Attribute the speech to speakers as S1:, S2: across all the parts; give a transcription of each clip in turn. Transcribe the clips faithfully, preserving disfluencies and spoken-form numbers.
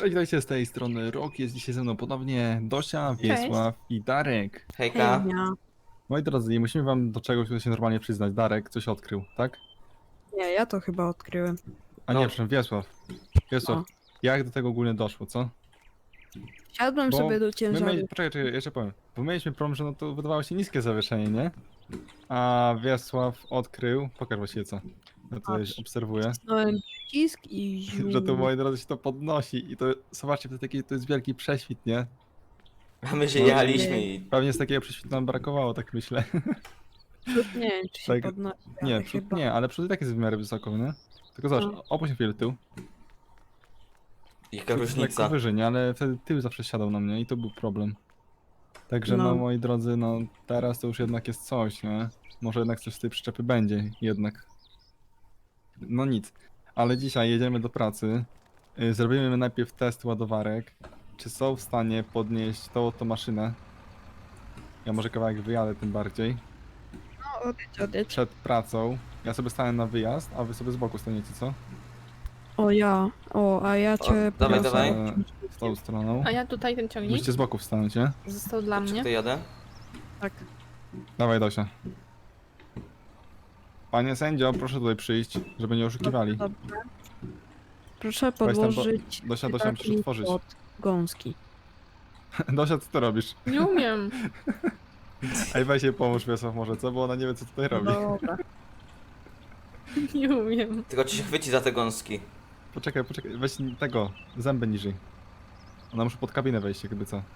S1: Cześć, witajcie z tej strony Rok, jest dzisiaj ze mną ponownie Dosia, Wiesław i Darek.
S2: Hejka.
S3: Hejnia.
S1: Moi drodzy, nie musimy wam do czegoś się normalnie przyznać. Darek coś odkrył, tak?
S3: Nie, ja to chyba odkryłem.
S1: A
S2: No.
S1: nie, przepraszam, Wiesław. Wiesław,
S3: O.
S1: jak do tego ogólnie doszło, co?
S3: Siadłem
S1: Bo
S3: sobie do
S1: My
S3: ciężaru.
S1: mieli... Poczekaj, czekaj, jeszcze powiem. Bo mieliśmy problem, że no to wydawało się niskie zawieszenie, nie? A Wiesław odkrył, pokaż właściwie co. Ja tutaj
S3: Patrz.
S1: obserwuję.
S3: Wcisnąłem przycisk i ziu.
S1: Że to, moi drodzy, się to podnosi i to, zobaczcie, to, taki, to jest wielki prześwit, nie?
S2: A my się
S1: No.
S2: jechaliśmy i...
S1: Pewnie z takiego prześwitu nam brakowało, tak myślę.
S3: Przód nie wiem, czy się
S1: Tak,
S3: podnosi,
S1: Nie,
S3: ale
S1: przód
S3: chyba.
S1: nie, ale przód i tak jest w miarę wysoko, nie? Tylko zobacz,
S3: No.
S1: opuść chwilę tył.
S2: Jaka
S1: Przód jest lekko
S2: różnica.
S1: wyżej, nie? Ale wtedy tył zawsze siadał na mnie i to był problem. Także no,
S3: No.
S1: moi drodzy, no teraz to już jednak jest coś, nie? Może jednak coś z tej przyczepy będzie, jednak. No nic. Ale dzisiaj jedziemy do pracy. Y, Zrobimy najpierw test ładowarek. Czy są w stanie podnieść tą oto maszynę? Ja może kawałek wyjadę tym bardziej.
S3: No, odejdź, odejdź.
S1: Przed pracą. Ja sobie stanę na wyjazd, a wy sobie z boku staniecie, co?
S3: O ja, o, a ja cię
S2: dawaj,
S3: poniosę.
S2: dawaj.
S1: E, W tą stroną.
S4: A ja tutaj ten ciągnik
S1: Musicie z boku wstanąć, nie?
S4: został dla
S2: Czy
S4: mnie.
S2: to jadę?
S3: Tak.
S1: Dawaj, Dosia. Panie sędzio, proszę tutaj przyjść, żeby nie oszukiwali.
S3: Dobrze. Proszę
S1: tam, bo-
S3: podłożyć
S1: Dosia, Dosia, musisz
S3: cytatnik
S1: otworzyć.
S3: pod gąski.
S1: Dosia, co ty robisz?
S4: Nie umiem.
S1: Ej, weź jej pomóż, Wiesław, może, co? Bo ona nie wie, co tutaj robi.
S3: Dobra.
S4: Nie umiem.
S2: Tylko czy się chwyci za te gąski?
S1: Poczekaj, poczekaj, weź tego, zęby niżej. Ona musi pod kabinę wejść, jakby co.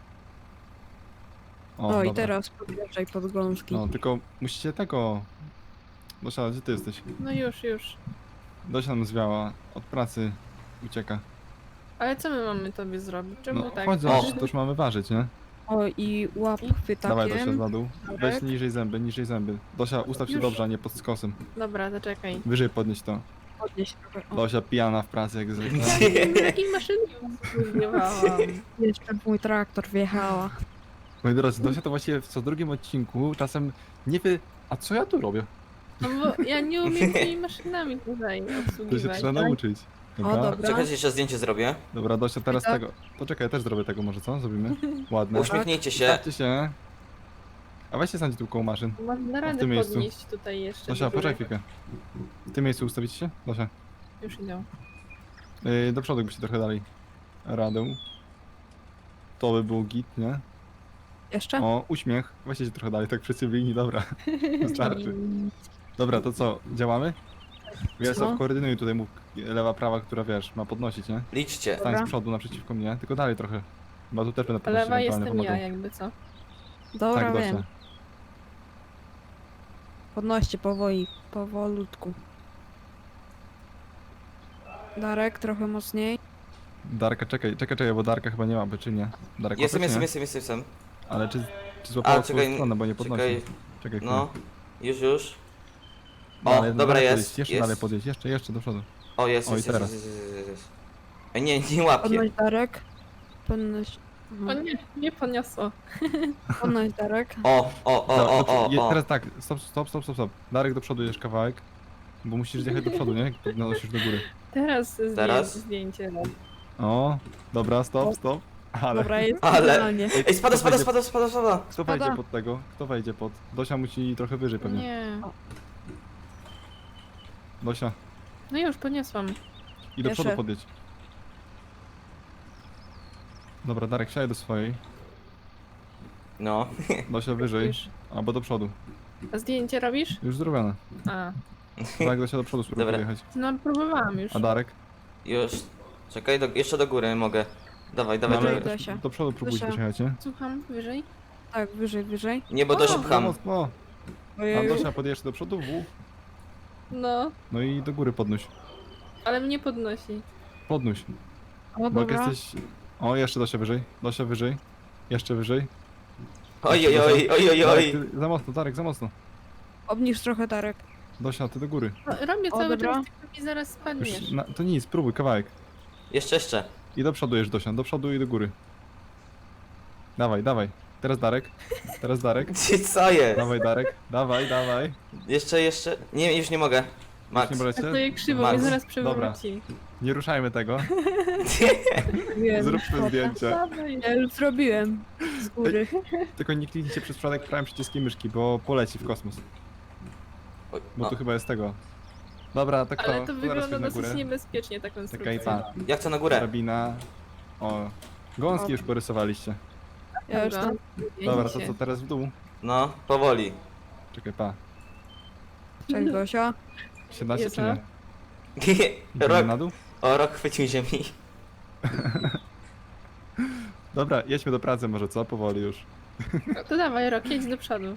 S1: O,
S3: O, i
S1: dobra.
S3: teraz podjeżdżaj pod gąski.
S1: No, tylko musicie tego... Dosia, gdzie ty jesteś?
S4: No już, już.
S1: Dosia nam zwiała, od pracy ucieka.
S4: Ale co my mamy tobie zrobić? Czemu
S1: No,
S4: tak?
S1: chodź, zobacz,
S2: O.
S1: to już mamy ważyć, nie?
S3: O, i łap
S1: Dawaj, Dosia,
S3: chwytakiem.
S1: na dół. Weź niżej zęby, niżej zęby. Dosia, ustaw się
S4: Już.
S1: dobrze, a nie pod skosem.
S4: Dobra, zaczekaj.
S1: Wyżej podnieść to.
S3: Podnieś trochę. O,
S1: Dosia pijana w pracy jak zwykle.
S4: Na jakiej maszynie zbiewałam?
S3: jeszcze w mój traktor wjechała.
S1: Moi drodzy, Dosia to właściwie w co drugim odcinku czasem nie wie, a co ja tu robię?
S4: No bo ja nie umiem tymi maszynami tutaj
S1: To się
S4: obsługiwać.
S1: trzeba nauczyć. Dobra,
S3: O,
S1: dobra.
S3: dobra.
S2: Czekajcie, jeszcze zdjęcie zrobię.
S1: Dosia, teraz
S3: Tak.
S1: tego. Poczekaj, ja też zrobię tego może, co? Zrobimy? Ładne.
S2: Uśmiechnijcie się.
S1: Stawcie się. A weźcie sądź tu koło maszyn.
S4: Można
S1: w
S4: radę
S1: tym miejscu.
S4: podnieść tutaj jeszcze.
S1: Dosia,
S4: do góry.
S1: poczekaj chwilkę. W tym miejscu ustawicie się? Dosia.
S4: Już idę.
S1: Yy, do przodu byście trochę dalej. Radę. To by był git, nie?
S3: Jeszcze?
S1: O, uśmiech. Weźcie się trochę dalej, tak przy cywilni, dobra. Wystarczy. Dobra, to co? Działamy? Wiesław,
S3: Co?
S1: koordynuj tutaj mów lewa, prawa, która wiesz, ma podnosić, nie?
S2: Liczcie.
S1: Stań
S3: Dobra.
S1: z przodu naprzeciwko mnie, tylko dalej trochę. Chyba tu też będę podnosić
S4: Lewa
S1: ewentualnie
S4: jestem ja,
S1: pomagał.
S4: jakby co.
S3: Dobra,
S1: Tak,
S3: wiem.
S1: Dosia.
S3: Podnoście powoli, powolutku. Darek, trochę mocniej.
S1: Darka, czekaj, czekaj, czekaj, bo Darka chyba nie ma, by czy nie? Darek,
S2: Jestem,
S1: łapie, czy
S2: jestem,
S1: nie?
S2: jestem, jestem, jestem.
S1: Ale czy, czy złapało
S2: A,
S1: swoją
S2: czekaj,
S1: stronę, bo nie podnosi.
S2: czekaj.
S1: Czekaj,
S2: No.
S1: chwilę.
S2: Już, już. O,
S1: Dalej,
S2: dobra,
S1: dalej
S2: jest,
S1: podjedź, Jeszcze
S2: jest.
S1: dalej podjedź, jeszcze, jeszcze do przodu.
S2: O, jest,
S1: O, i
S2: jest, jest,
S1: teraz.
S2: jest, jest, jest, jest. Ej, nie, nie łapię.
S3: Podnoś Darek. Podnoś.
S4: O
S3: Aha.
S4: nie, nie podniosło.
S3: Podnoś Darek.
S2: O, o, o,
S1: Dobra,
S2: o,
S1: do-
S2: o,
S1: je-
S2: o.
S1: Teraz tak, stop, stop, stop, stop, stop. Darek do przodu jedziesz kawałek, bo musisz zjechać do przodu, nie? Jak podnosisz do góry.
S4: Teraz, zdję-
S2: Teraz?
S4: zdjęcie.
S1: O, dobra, stop, stop. Ale
S3: Dobra, jest
S2: Ale-
S3: idealnie.
S2: Ej, spada, spada, spada, spada, spada.
S1: kto
S3: spada.
S1: wejdzie pod tego? Kto wejdzie pod? Dosia musi trochę wyżej pewnie.
S4: Nie.
S1: Dosia,
S4: No już, podniosłam.
S1: i do przodu
S3: Jeszcze.
S1: podjedź. Dobra, Darek, siadaj do swojej.
S2: No.
S1: Dosia wyżej,
S4: Już.
S1: albo do przodu.
S4: A zdjęcie robisz?
S1: Już zrobione.
S4: A.
S1: Tak, Dosia do przodu spróbuj
S2: Dobra.
S1: podjechać.
S4: No próbowałam już.
S1: A Darek?
S2: Już. Czekaj, do, jeszcze do góry mogę. Dawaj, dawaj,
S1: No,
S3: Wyżej,
S2: dawaj.
S3: Dosia.
S1: do przodu próbujcie
S3: Dosia.
S1: dojechać, nie?
S4: Słucham, wyżej?
S3: Tak, wyżej, wyżej.
S2: Nie, bo
S4: O,
S2: dość
S1: Za
S2: pcham.
S1: mocno. A
S3: Ojej.
S1: Dosia podjeżdża do przodu, w.
S4: No,
S1: No i do góry podnoś.
S4: ale mnie podnosi.
S1: Podnoś.
S3: O,
S1: Bo jak
S3: dobra.
S1: jesteś... O, jeszcze Dosia wyżej. Dosia wyżej. Jeszcze wyżej.
S2: Oj, oj, oj, oj, oj,
S1: Darek,
S2: oj.
S1: ty, za mocno, Darek, za mocno.
S3: Obniż trochę Darek.
S1: Dosia, ty do góry.
S4: No, robię
S3: O,
S4: cały
S3: dobra.
S4: czas, tylko mi zaraz spadniesz.
S1: Już, na, to nic, spróbuj, kawałek.
S2: Jeszcze, jeszcze.
S1: I do przodu jeżdż, Dosia, do przodu i do góry. Dawaj, dawaj. Teraz Darek. Teraz Darek.
S2: Co jest?
S1: Dawaj, Darek. Dawaj, dawaj.
S2: Jeszcze, jeszcze. Nie, już nie mogę. Max.
S1: Nie możecie?
S4: Stoję krzywo,
S2: Max.
S4: mnie zaraz
S1: Dobra.
S4: przewróci.
S1: Nie ruszajmy tego.
S3: Wiem,
S1: Zróbmy
S3: szkoda.
S1: zdjęcie.
S3: Ja już zrobiłem z góry.
S1: Tylko nie kliknijcie przez przypadek prawym przyciskiem myszki, bo poleci w kosmos.
S2: Oj,
S1: Bo
S2: no.
S1: tu chyba jest tego. Dobra, tak to,
S4: Ale to
S1: zaraz
S4: wygląda
S1: chodź na
S4: dosyć
S1: górę.
S4: niebezpiecznie ta
S1: Czekaj,
S4: konstrukcja.
S1: pa.
S2: Ja chcę na górę.
S1: Drabina. O. Gąski już porysowaliście.
S3: Ja już
S4: Dobra.
S3: tam...
S1: Dobra, to co teraz w dół?
S2: No, powoli.
S1: Czekaj, pa.
S3: Cześć Dosia.
S1: siedemnaście czy
S4: Jezu.
S1: nie? Idziemy
S2: Rok.
S1: na dół?
S2: O, rok chwycił ziemi.
S1: Dobra, jedźmy do pracy może, co? Powoli już.
S4: No to dawaj, Rok, jedź do przodu.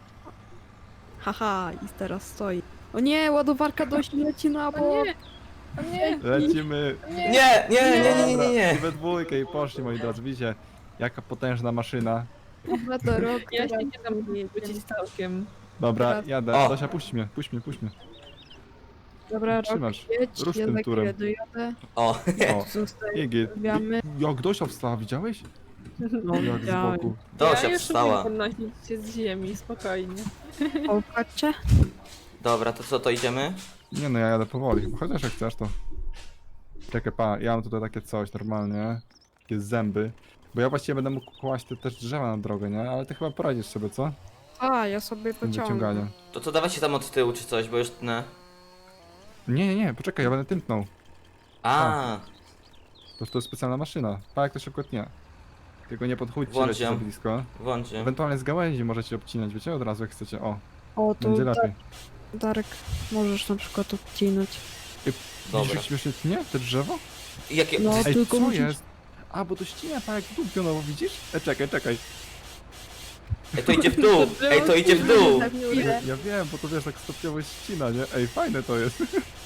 S3: Haha, i teraz stoi. O nie, ładowarka Dosi leci na
S4: O
S3: bok.
S4: nie! O nie!
S1: Lecimy.
S4: O nie!
S2: Nie, nie, nie, nie, nie,
S1: Dobra,
S2: nie, nie.
S1: I we dwójkę i poszli, moi drodzy. Widzicie, jaka potężna maszyna.
S3: Dobra, to rok.
S4: Ja się
S3: teraz
S4: nie dam
S3: jedziemy.
S4: wrócić całkiem.
S1: Dobra,
S3: Teraz-
S1: jadę.
S2: O.
S1: Dosia, puść mnie, puść mnie, puść mnie.
S3: Dobra, rok,
S1: Trzymasz.
S3: jedź,
S1: Rusz tym
S3: jednak
S1: turem.
S3: ja dojadę.
S2: O,
S1: O,
S3: Zostawiamy.
S1: Iggy. Jak Dosia wstała, widziałeś?
S3: No,
S1: Jak z
S3: widziałem.
S1: boku.
S2: Dosia
S4: ja już
S2: wstała.
S4: umiem podnosić się z ziemi, spokojnie.
S3: O, patrzcie.
S2: Dobra, to co, to idziemy?
S1: Nie no, ja jadę powoli, chyba chociaż jak chcesz to. Czekaj, pa, ja mam tutaj takie coś normalnie. Takie zęby. Bo ja właściwie będę mógł kłaść te też drzewa na drogę, nie? Ale ty chyba poradzisz sobie, co?
S3: A, ja sobie
S1: Z tym
S3: pociągnę.
S1: wyciąganiem.
S2: To co, dawajcie tam od tyłu czy coś, bo już tnę.
S1: Nie, nie, nie, poczekaj, ja będę tętnął.
S2: A,
S1: To, to jest specjalna maszyna. Pa, jak to szybko tnie. Tylko nie podchódźcie
S2: Włącz
S1: leci za
S2: ją.
S1: blisko.
S2: włączę.
S1: Ewentualnie z gałęzi możecie obcinać, wiecie? Od razu jak chcecie. O,
S3: O, to
S1: będzie
S3: da
S1: lepiej.
S3: Darek, możesz na przykład odcinać.
S2: Dobra.
S1: Widzisz, jak śmiesznie tnie te drzewo?
S2: Jakie...
S3: No.
S1: Ej,
S3: tylko
S1: co
S3: musisz-
S1: jest? A, bo to ścina, pa, jak dół pionowo, widzisz? E, czekaj, czekaj.
S2: Ej, to idzie w dół! Ej, to idzie w dół!
S1: Ja, ja wiem, bo to wiesz, tak stopniowo ścina, nie? Ej, fajne to jest.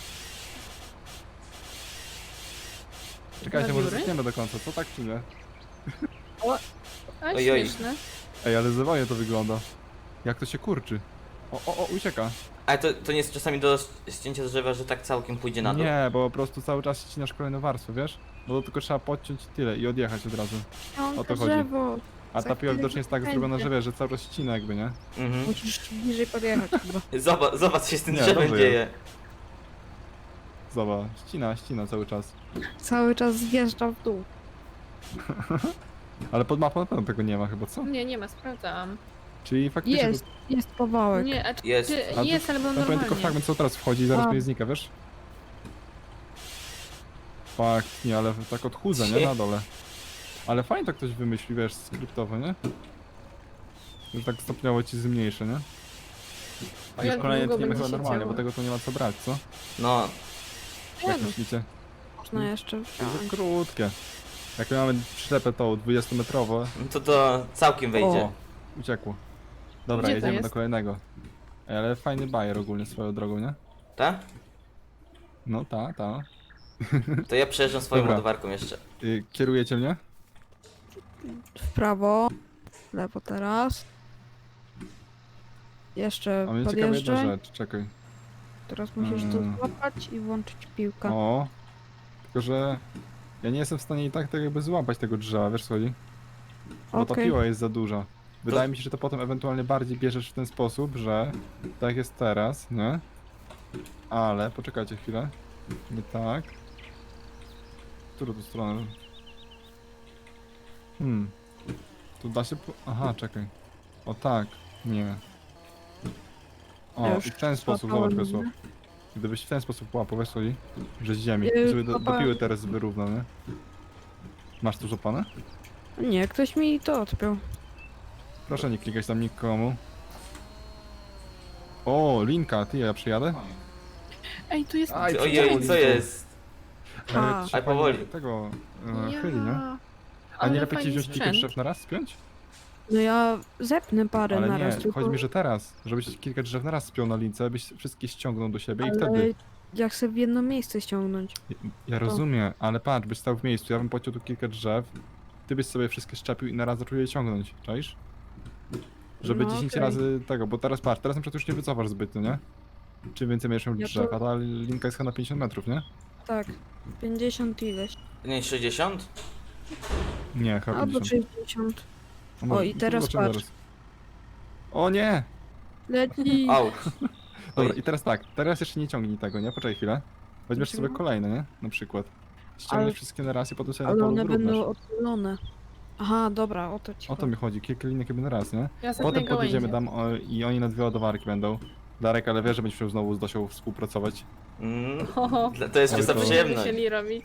S1: Czekajcie, może
S4: Grawiury?
S1: zetniemy do końca, co tak czy nie?
S4: A
S2: Oj, oj.
S4: śmieszne.
S1: Ej, ale zawojnie to wygląda. Jak to się kurczy. O, o, o, ucieka.
S2: Ale to, to nie jest czasami do ścięcia drzewa, że tak całkiem pójdzie na dół.
S1: Nie, bo po prostu cały czas ścinasz kolejną warstwę, wiesz? Bo to tylko trzeba podciąć i tyle i odjechać od razu. O to chodzi.
S3: drzewo.
S1: A
S3: Za
S1: ta piła
S3: chwilę
S1: widocznie jest tak
S3: będzie.
S1: zrobiona, że wiesz, że cały czas ścina jakby, nie?
S2: Mhm.
S3: Musisz bliżej podjechać chyba.
S2: Zobacz, zobacz co się z tym
S1: Nie,
S2: drzewem
S1: dobrze
S2: dzieje.
S1: Zobacz, ścina, ścina cały czas.
S3: Cały czas zjeżdża w dół.
S1: Ale pod mapą na pewno tego nie ma chyba, co?
S4: Nie, nie ma, sprawdzałam.
S1: Czyli faktycznie...
S3: Jest, jest powałek.
S4: Nie, a czy,
S2: Jest.
S4: czy,
S1: A
S4: jest, ale był
S1: Tam powiem tylko
S4: normalnie.
S1: fragment, co teraz wchodzi i zaraz
S3: A.
S1: mi znika, wiesz? Fakt, nie, ale tak odchudzę, nie? Na dole. Ale fajnie to ktoś wymyśli, wiesz, skryptowo, nie? Już tak stopniowo ci zmniejszy, nie? A już
S4: Jak
S1: kolejne
S4: długo
S1: tniemy
S4: będzie
S1: chyba
S4: się
S1: normalnie,
S4: działo?
S1: bo tego tu nie ma co brać, co?
S2: No,
S1: Jak
S3: no.
S1: myślicie?
S3: Można jeszcze
S1: To jest
S3: wziąć.
S1: za krótkie. Jak my mamy przyczepę tą dwudziestometrową,
S2: to to całkiem wejdzie.
S1: o, uciekło. Dobra,
S4: Gdzie to
S1: jedziemy
S4: jest?
S1: do kolejnego. Ej, ale fajny bajer ogólnie swoją drogą, nie?
S2: Tak?
S1: No ta, ta.
S2: To ja przejeżdżam swoją
S1: Dobra.
S2: ładowarką jeszcze.
S1: Y, kierujecie mnie?
S3: W prawo. W lewo teraz. Jeszcze
S1: A mnie ciekawa jedna
S3: podjeżdżaj.
S1: rzecz, czekaj.
S3: Teraz musisz tu
S1: Mm.
S3: złapać i włączyć piłkę.
S1: O, tylko że ja nie jestem w stanie i tak tak jakby złapać tego drzewa, wiesz co chodzi? Bo ta
S3: Okej.
S1: piła jest za duża. Wydaje mi się, że to potem ewentualnie bardziej bierzesz w ten sposób, że tak jak jest teraz, nie? Ale, poczekajcie chwilę. Nie tak. Którą tu stronę? Hmm. Tu da się po... Aha, czekaj. O tak. Nie. O,
S3: Ja już
S1: i w ten sposób,
S3: złapałem,
S1: zobacz Wiesław.
S3: nie?
S1: Gdybyś w ten sposób łapał, wiesz co chodzi? Że z ziemi.
S3: Yy,
S1: I sobie do, do
S3: złapałem.
S1: piły teraz wyrównał, nie? Masz tu złapane?
S3: Nie, ktoś mi to odpiął.
S1: Proszę nie klikać tam nikomu. O, linka, ty, ja przyjadę?
S4: Ej, tu jest...
S1: Aj,
S2: Ty, Ojej, co jest?
S3: A.
S1: E, trzeba
S2: Aj, powoli.
S1: Tego, e,
S4: Ja.
S1: chyli, nie? A
S4: Ale
S1: nie lepiej ci
S4: fajny
S1: wziąć kilka
S4: sprzęt.
S1: drzew na raz, spiąć?
S3: No ja zepnę parę
S1: Ale
S3: na
S1: nie,
S3: raz, tylko...
S1: chodzi mi, że teraz, żebyś kilka drzew na raz spiął na lince, byś wszystkie ściągnął do siebie i
S3: ale
S1: wtedy...
S3: ja chcę w jedno miejsce ściągnąć.
S1: Ja rozumiem, ale patrz, byś stał w miejscu, ja bym pociął tu kilka drzew, ty byś sobie wszystkie szczepił i na raz zaczął je ciągnąć, czaisz? Żeby
S3: No,
S1: dziesięć
S3: okej.
S1: razy tego, bo teraz patrz, teraz na przykład już nie wycofasz zbytnio, nie? Czym więcej będziesz miał
S3: Ja
S1: drzew,
S3: to-
S1: a ta linka jest chyba na pięćdziesiąt metrów, nie?
S3: Tak, pięćdziesiąt ileś.
S2: Nie, sześćdziesiąt?
S1: Nie, chyba
S3: Albo
S1: pięćdziesiąt.
S3: sześćdziesiąt.
S1: No może-
S3: O, i teraz
S1: zobaczymy
S3: patrz.
S1: O nie!
S3: Leci!
S2: Au.
S1: Dobra,
S2: Oj.
S1: i teraz tak, teraz jeszcze nie ciągnij tego, nie? Poczekaj chwilę. Weźmiesz sobie
S3: Dlaczego?
S1: kolejne, nie? Na przykład. Ściągniesz
S3: Ale-
S1: wszystkie na raz i potem sobie na
S3: Ale
S1: polu
S3: one
S1: wyrównasz.
S3: będą odpalone. Aha, dobra, o to ci
S1: O to
S3: chodzi.
S1: mi chodzi, kilka linek jakby na raz, nie?
S4: Ja sobie
S1: Potem
S4: gałęzie.
S1: podjedziemy tam o, i oni na dwie ładowarki będą. Darek, ale wiesz, że będziesz musiał znowu z Dosią współpracować.
S2: Mm,
S4: Oho,
S2: dla- to jest
S1: Oj,
S2: czysta
S1: to-
S2: przyjemność.
S4: musieli robić.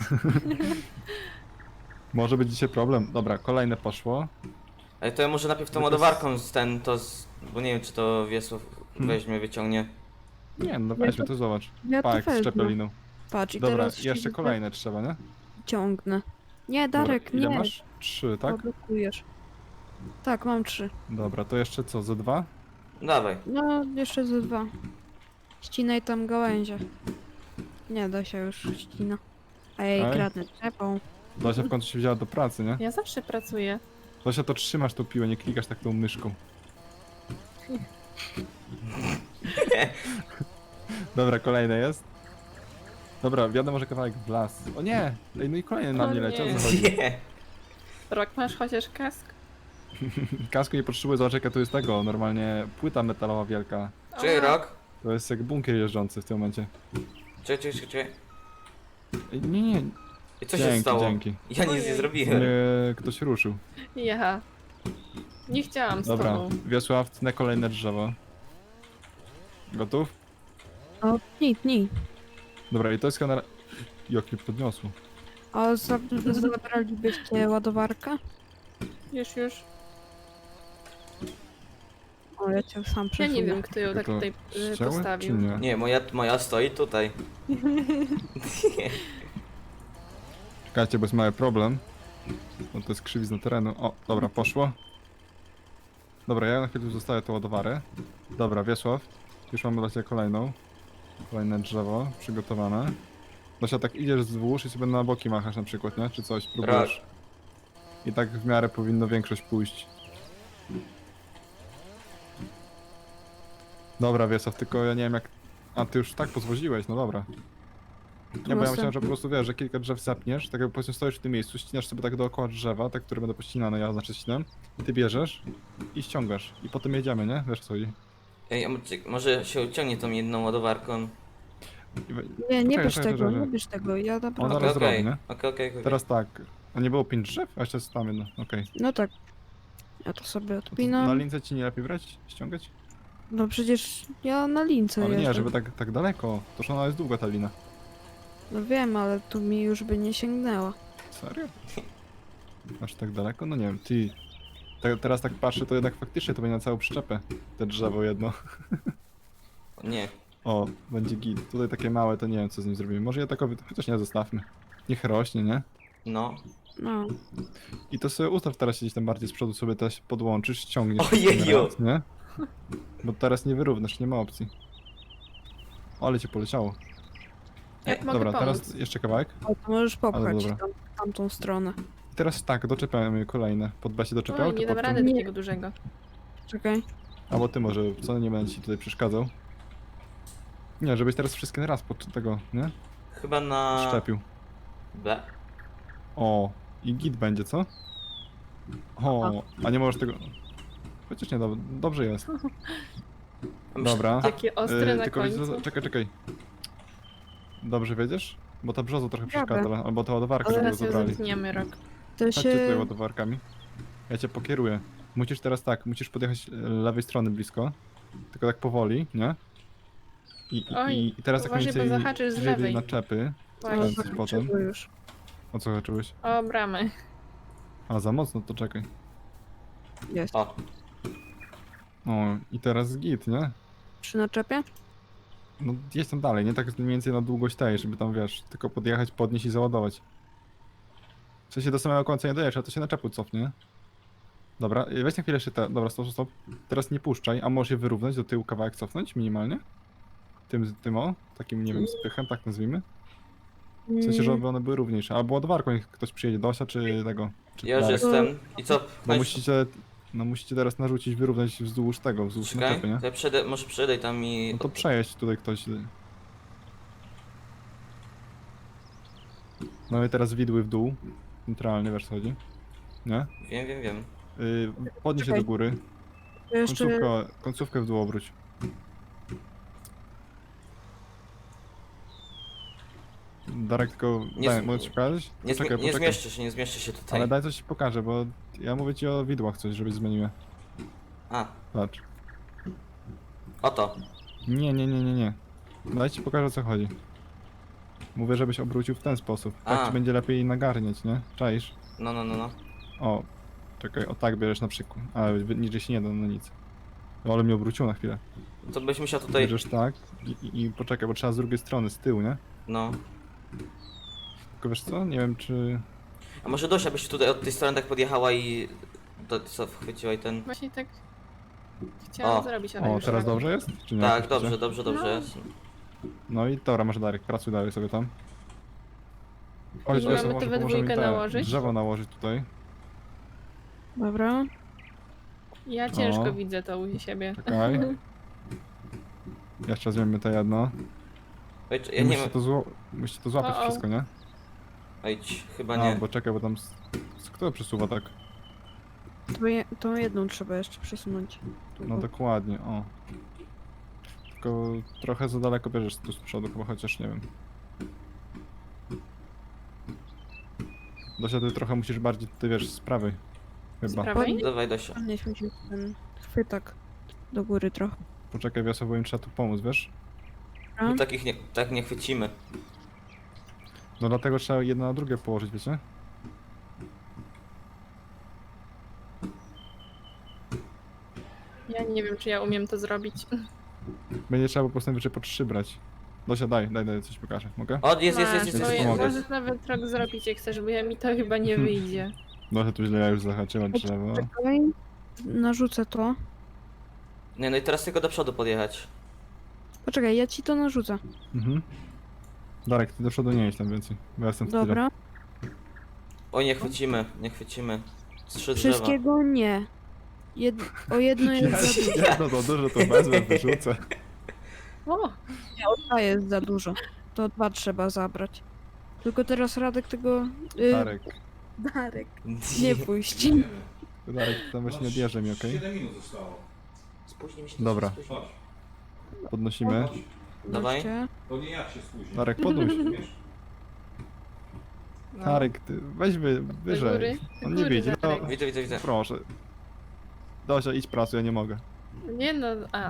S1: Może być dzisiaj problem. Dobra, kolejne poszło.
S2: Ale to ja może najpierw tą
S1: No to
S2: ładowarką z ten, to z... Bo nie wiem, czy to Wiesław
S1: Hmm.
S2: weźmie, wyciągnie.
S1: Nie, no
S3: Ja
S1: weźmy,
S3: to-
S1: to zobacz.
S3: Ja to
S1: Tak, z
S3: wezmę.
S1: czepeliną.
S3: Patrz, i
S1: Dobra,
S3: teraz
S1: jeszcze
S3: się
S1: kolejne trzeba, nie?
S3: ciągnę. Nie, Darek,
S1: Dobra, ile
S3: nie.
S1: masz? Trzy, tak?
S3: Blokujesz. Tak, mam trzy.
S1: Dobra, to jeszcze co, ze dwa?
S2: Dawaj.
S3: No, jeszcze ze dwa. Ścinaj tam gałęzie. Nie da się już ścina. Ej,
S1: Ej.
S3: kradnę trzepą.
S1: Dosia w końcu się wzięła do pracy, nie?
S4: Ja zawsze pracuję.
S1: Dosia, to trzymasz tą piłę, nie klikasz tak tą myszką. Dobra, kolejne jest. Dobra, wiadomo, że kawałek w las. O nie! Ej, no i kolejny na
S4: O
S1: mnie leci, o
S4: nie.
S1: co chodzi?
S2: Nie.
S4: Rok masz chociaż kask?
S1: Kasku nie potrzebuję, zobacz jaka tu jest tego, normalnie płyta metalowa wielka.
S2: Czekaj,
S4: Aha.
S2: rok.
S1: To jest jak bunkier jeżdżący w tym momencie.
S2: Czekaj, czekaj, czekaj.
S1: Ej, nie, nie,
S2: I co
S1: dzięki,
S2: się stało?
S1: dzięki.
S2: Ja nic nie
S4: Ojej.
S2: zrobiłem.
S1: Mnie ktoś ruszył.
S4: Ja. Nie chciałam z
S1: Dobra,
S4: tobą.
S1: Wiesław, tnę kolejne drzewo. Gotów?
S3: O, tnij, tnij.
S1: Dobra, i to jest kanał... Jak mnie podniosło.
S3: A za- zabralibyście ładowarkę?
S4: Już, już.
S3: O, ja cię sam
S4: Ja
S3: przesunę.
S4: nie wiem, kto ją tak
S1: To
S4: tutaj y,
S1: ścięły, czy
S4: postawił.
S1: nie?
S2: Nie, moja, moja stoi tutaj.
S1: Czekajcie, bo jest mały problem. Bo to jest krzywizna terenu. O, dobra, poszło. Dobra, ja na chwilę tu zostawię tą ładowarę. Dobra, Wiesław, już mamy dla ciebie kolejną. Kolejne drzewo przygotowane. Dosia, tak idziesz wzdłuż i sobie na boki machasz na przykład, nie? Czy coś, próbujesz. I tak w miarę powinno większość pójść. Dobra, Wiesław, tylko ja nie wiem jak... A, ty już tak pozwoziłeś, no dobra. Nie, bo ja myślałem, że po prostu wiesz, że kilka drzew zapniesz, tak jak powiedzmy stoisz w tym miejscu, ścinasz sobie tak dookoła drzewa, te, które będą pościnane, ja znaczy ścinam, ty bierzesz i ściągasz. I potem jedziemy, nie? Wiesz co chodzi.
S2: Ej, a mo- może się uciągnie tą jedną ładowarką.
S1: I we-
S3: Nie, nie
S1: Czekaj,
S3: bierz
S1: czekaj,
S3: tego,
S1: czekaj.
S3: nie bierz tego, ja
S1: Ona
S3: naprawdę.
S1: zaraz
S2: Okej,
S1: zrobi, nie?
S2: okej, okej, okej.
S1: Teraz tak, a nie było pięć drzew? A jeszcze jest tam jedno, okej.
S3: No tak. Ja to sobie
S1: To co, Na
S3: odpinam.
S1: lince ci nie lepiej brać? Ściągać?
S3: No przecież ja na lince
S1: Ale nie,
S3: jeżdżę.
S1: żeby tak, tak daleko. Toż ona jest długa ta lina.
S3: No wiem, ale tu mi już by nie sięgnęła.
S1: Serio? Aż tak daleko? No nie wiem, ty... Te, teraz tak patrzę, to jednak faktycznie to będzie na całą przyczepę. Te drzewo jedno.
S2: Nie.
S1: O, będzie git. Tutaj takie małe, to nie wiem co z nim zrobimy. Może ja takowy, chociaż nie, zostawmy. Niech rośnie, nie?
S2: No.
S3: No.
S1: I to sobie ustaw teraz się gdzieś tam bardziej z przodu, sobie też podłączysz, ściągniesz.
S2: Ojeju!
S1: raz, nie? Bo teraz nie wyrównasz, nie ma opcji. O, ale cię poleciało.
S4: Jak mogę
S1: Dobra,
S4: pomóc?
S1: teraz jeszcze kawałek.
S3: O, to możesz popchać
S1: dobra.
S3: tam, tamtą stronę.
S1: I teraz tak, doczepiamy kolejne. Pod B się doczepiał,
S4: Oj,
S1: czy
S4: nie dam
S1: pod
S4: rady
S1: tym?
S3: Nie.
S4: takiego dużego.
S3: Czekaj.
S1: Albo ty może, co nie będę ci tutaj przeszkadzał. Nie, żebyś teraz wszystkie na raz pod tego, nie?
S2: Chyba na...
S1: Szczepił.
S2: B.
S1: O, i git będzie, co? O, a nie możesz tego... Chociaż nie, dob dobrze jest. Dobra.
S4: Takie ostre
S1: Yy,
S4: na
S1: tylko wiecie,
S4: końcu.
S1: co- czekaj, czekaj. Dobrze wiedziesz? Bo ta brzoza trochę
S3: Dobra.
S1: przeszkadza, albo ta ładowarka, żeby ją
S4: Zaraz ją
S1: zabrali.
S4: zetniemy, Rok.
S3: To
S1: Chodźcie tutaj
S3: się...
S1: ładowarkami. Ja cię pokieruję. Musisz teraz tak, musisz podjechać e, lewej strony blisko. Tylko tak powoli, nie? I, i,
S4: Oj,
S1: i teraz tak mniej
S4: uważaj, bo
S1: więcej
S4: zahaczysz z
S1: bliżej tej
S4: lewej.
S1: naczepy.
S3: Ale
S4: Właśnie.
S1: Kręcić potem.
S3: zakończyło już.
S1: O co zacząłeś?
S4: O, bramy.
S1: A, za mocno, to czekaj.
S3: Jest.
S2: O.
S1: O, i teraz git, nie?
S3: Przy naczepie?
S1: No jedź tam dalej, nie tak mniej więcej na długość tej, żeby tam wiesz, tylko podjechać, podnieść i załadować. W sensie do samego końca nie dojesz, a to się na czepu cofnie. nie? Dobra, y, weź na chwilę jeszcze te. Dobra, stop, stop. Teraz nie puszczaj, a możesz je wyrównać, do tyłu kawałek cofnąć minimalnie. Tym, tym o, takim nie wiem, spychem, tak nazwijmy. W sensie, żeby one były równiejsze. Albo ładowarką, niech ktoś przyjedzie, Dosia czy tego. Czy
S2: Ja już
S1: Darek.
S2: jestem. I co?
S1: Bo
S2: Chodź,
S1: musicie, no musicie teraz narzucić, wyrównać wzdłuż tego, wzdłuż
S2: czekaj.
S1: naczepy, nie?
S2: To ja przejdę, może przejdę tam i...
S1: No to przejeść tutaj ktoś. Mamy teraz widły w dół. Centralnie, wiesz co chodzi? Nie?
S2: Wiem, wiem, wiem.
S1: Yy, podnieś się
S3: Czekaj.
S1: do góry.
S3: To jeszcze...
S1: Końcówkę, końcówkę w dół obróć. Darek, tylko
S2: Nie
S1: daj,
S2: z-
S1: mogę ci pokazać?
S2: Nie, zmi-
S1: Poczekaj,
S2: nie
S1: poczekaj.
S2: zmieszczę się, nie zmieszczę się tutaj.
S1: Ale daj coś ci pokażę, bo ja mówię ci o widłach coś, żebyś zmienił.
S2: A,
S1: Patrz.
S2: oto.
S1: Nie, nie, nie, nie, nie. Daj ci pokażę o co chodzi. Mówię, żebyś obrócił w ten sposób. Tak
S2: A.
S1: ci będzie lepiej nagarniać, nie? Czaisz?
S2: No, no, no, no.
S1: O, czekaj, o tak bierzesz na przykład. A, wy- niżej się nie da, no nic. O, ale mnie obróciło na chwilę.
S2: To byś musiał tutaj...
S1: Bierzesz tak i, i, i poczekaj, bo trzeba z drugiej strony, z tyłu, nie?
S2: No.
S1: Tylko wiesz co, nie wiem czy...
S2: A może Dosia byś tutaj od tej strony tak podjechała i... To co, wchwyciła i ten...
S4: Właśnie tak chciałam
S2: O.
S4: zrobić, ale
S1: O,
S4: już
S1: teraz
S4: tak.
S1: dobrze jest? Czy nie?
S2: Tak,
S1: Oczywiście.
S2: dobrze, dobrze, dobrze
S4: No.
S2: jest.
S1: No i dobra, masz Darek, pracuj dalej sobie tam. Chodź,
S4: I
S1: Wiesław,
S4: mamy to
S1: może
S4: we
S1: pomożemy mi
S4: dwójkę
S1: te
S4: nałożyć?
S1: drzewo nałożyć tutaj.
S3: Dobra.
S4: Ja ciężko
S1: O.
S4: widzę to u siebie.
S1: Czekaj. Jeszcze weźmiemy to jedno.
S2: Oj, czy- ja
S1: Ja
S2: nie
S1: musicie,
S2: wiem...
S1: to zło... musicie to złapać
S4: O, o.
S1: wszystko, nie?
S2: Oj, chyba
S1: A,
S2: nie.
S1: bo czekaj, bo tam... s- Kto przesuwa tak?
S3: To je, tą jedną trzeba jeszcze przesunąć. Tu,
S1: No
S3: o.
S1: dokładnie, o. Tylko trochę za daleko bierzesz tu z przodu, chyba chociaż nie wiem. Dosia, ty trochę musisz bardziej, ty wiesz, z prawej.
S4: Z
S1: Chyba.
S4: prawej?
S2: Dawaj, Dosia.
S3: Podnieśmy się ten chwytak do góry trochę.
S1: Poczekaj, Wiosła, bo im trzeba tu pomóc, wiesz?
S3: Dobra.
S2: My takich nie, tak nie chwycimy.
S1: No dlatego trzeba jedno na drugie położyć, wiecie?
S4: Ja nie wiem, czy ja umiem to zrobić.
S1: Będzie trzeba po prostu najwyżej po trzy brać. Dosia, daj, daj, daj, coś pokażę, mogę?
S2: O, jest, jest, jest,
S4: Masz,
S2: jest,
S1: to
S4: to
S2: jest.
S1: je- pomogę.
S4: możesz nawet rok zrobić, jak chcesz, bo ja mi to chyba nie wyjdzie.
S1: Dosia tu źle ja już zahaczyła drzewo.
S3: Czekaj. Narzucę to.
S2: Nie, no i teraz tylko do przodu podjechać.
S3: Poczekaj, ja ci to narzucę.
S1: Mhm. Darek, ty do przodu nie jedź tam więcej, bo ja jestem w tyle.
S3: Dobra.
S2: Oj, nie chwycimy, nie chwycimy. Trzy drzewa.
S3: Wszystkiego nie. Jed o jedno jest za dużo.
S1: Jedno to dużo, to wezmę, wyrzucę.
S4: O,
S3: Nie, o dwa jest za dużo. To dwa trzeba zabrać. Tylko teraz Radek tego... Y,
S1: Darek,
S3: Darek. Nie puść.
S1: Darek, tam właśnie odjeżdżaj mi, okej?
S5: siedem minut zostało.
S2: Spóźnimy się.
S1: Dobra.
S2: spóźnimy.
S5: Chodź.
S1: Podnosimy.
S2: Dawaj.
S3: Chodźcie.
S5: To nie jak się spóźni.
S1: Darek, podnoś.
S5: Wiesz?
S4: no.
S1: Darek, ty weź wy,
S4: góry,
S1: wyżej.
S4: do
S1: On nie
S4: góry,
S1: widzi, no
S4: Darek.
S2: Widzę, widzę, widzę.
S1: proszę. Dosia, idź pracuj, ja nie mogę.
S4: Nie no, a,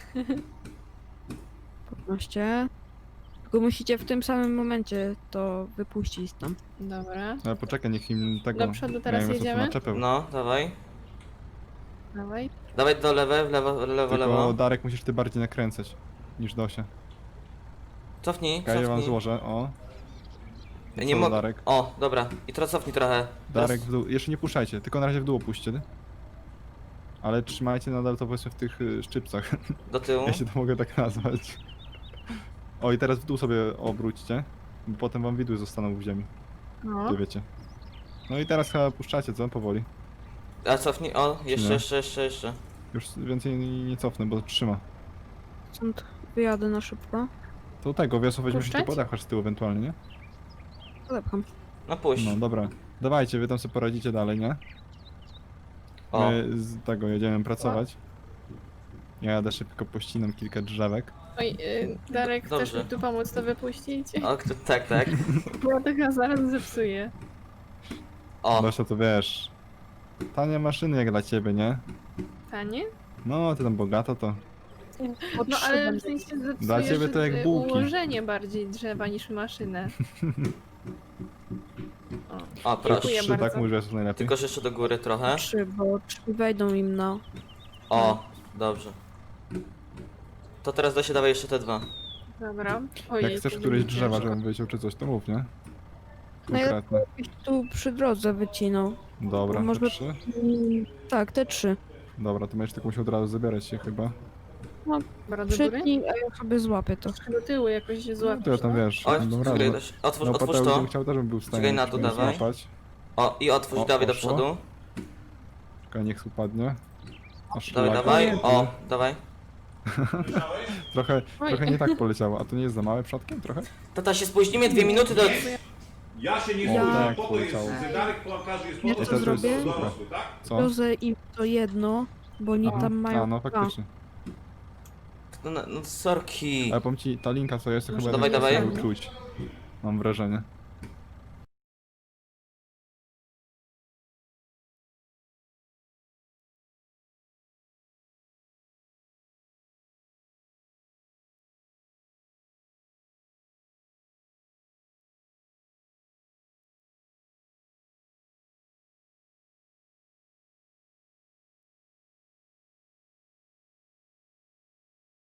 S3: Podnoście. Tylko musicie w tym samym momencie to wypuścić tam.
S4: dobra.
S1: Ale poczekaj, niech im tego...
S4: Do przodu teraz
S1: miałem sobie tu
S4: jedziemy?
S1: naczepę.
S2: No, dawaj.
S4: Dawaj.
S2: Dawaj do lewej, w lewo, w lewo,
S1: Tylko
S2: lewo.
S1: Darek, musisz ty bardziej nakręcać niż Dosia.
S2: Cofnij,
S1: Czekaj, ja wam
S2: cofnij.
S1: złożę, o.
S2: Ja nie
S1: Co,
S2: mogę.
S1: Darek?
S2: O, dobra. I teraz cofnij trochę.
S1: Darek w dół, jeszcze nie puszczajcie, tylko na razie w dół opuśćcie. Ale trzymajcie nadal to powiedzmy w tych y, szczypcach,
S2: Do tyłu.
S1: jeśli to mogę tak nazwać. O i teraz w dół sobie obróćcie, bo potem wam widły zostaną w ziemi,
S4: No.
S1: to wiecie. No i teraz chyba puszczacie, co? Powoli.
S2: A cofnij, o, jeszcze,
S1: nie?
S2: jeszcze, jeszcze, jeszcze.
S1: Już więcej nie, nie cofnę, bo trzyma.
S3: Stąd wyjadę na szybko.
S1: To tego, wiosło weźmie się tu
S4: Puszczać?
S1: podepchać z tyłu ewentualnie, nie?
S3: Podepcham.
S2: No puść.
S1: No dobra. Dawajcie, wy tam sobie poradzicie dalej, nie?
S2: O,
S1: My z tego jedziemy pracować. Ja jadę szybko, pościnam kilka drzewek.
S4: Oj, y, Darek, chcesz
S2: Dobrze.
S4: mi tu pomóc to wypuścić?
S2: o, kto, tak, tak.
S4: Bo to chyba zaraz zepsuję.
S2: O,
S1: Dosia, to wiesz... Tanie maszyny jak dla ciebie, nie?
S4: Tanie?
S1: No, ty tam bogato to...
S4: No ale w sensie zepsujesz
S1: Dla ciebie to jak
S4: y,
S1: bułki.
S4: ułożenie bardziej drzewa niż maszynę. O,
S2: o,
S1: Tylko
S2: proszę.
S4: Dziękuję
S1: trzy,
S4: bardzo.
S1: tak? Mówisz, że jest najlepiej?
S2: Tylko że jeszcze do góry trochę.
S3: Trzy, bo trzy wejdą im na...
S2: O, dobrze. To teraz da się dawaj jeszcze te dwa.
S4: dobra. Ojej,
S1: Jak chcesz
S4: to
S1: któreś
S4: będzie
S1: drzewa,
S4: ciężko.
S1: żebym wyciął czy coś, to mów, nie?
S3: No ja-
S1: Konkretne.
S3: Jakbyś tu przy drodze wycinał.
S1: Dobra,
S3: może-
S1: te trzy?
S3: Mm, tak, te trzy.
S1: Dobra, to będziesz tylko musiał od razu zabierać się chyba.
S4: Dobra, do góry?
S3: Przytnij, a ja sobie złapię to.
S4: Do tyłu jakoś się
S1: No
S4: złapiesz,
S1: to ja tam
S4: no?
S1: wiesz,
S2: O,
S1: będą
S2: czekaj,
S1: radę.
S2: Doś- otwórz,
S1: No
S2: otwórz
S1: Pateusz
S2: to.
S1: bym chciał też bym był w stanie
S2: Czekaj na to,
S1: żeby
S2: dawaj.
S1: złapać.
S2: O, i otwórz,
S1: O,
S2: dawaj do
S1: poszło.
S2: przodu.
S1: Czekaj, niech upadnie. Aż
S2: Dawaj,
S1: lak.
S2: dawaj. O, dawaj.
S1: Trochę,
S4: Oj.
S1: trochę nie tak poleciało, a to nie jest za małe przodkiem trochę?
S2: Tata, się spóźnimy dwie minuty do...
S5: Ja się nie
S3: Ja-
S5: zgodzę,
S1: Tak,
S5: po to jest,
S1: poleciało.
S5: zegarek plankarzy jest po
S3: Ja
S5: to,
S3: to
S5: żeby
S3: zrobię.
S5: są dorosły, tak?
S1: Co?
S3: Wiozę im to jedno, bo oni tam mają
S1: A, no
S3: dwa.
S1: faktycznie.
S2: No, no, no sorki.
S1: Ale powiem ci, ta linka co jest, to
S3: Może
S1: chyba
S2: dawaj,
S1: jednak
S2: dawaj.
S1: jest czuć. mam wrażenie.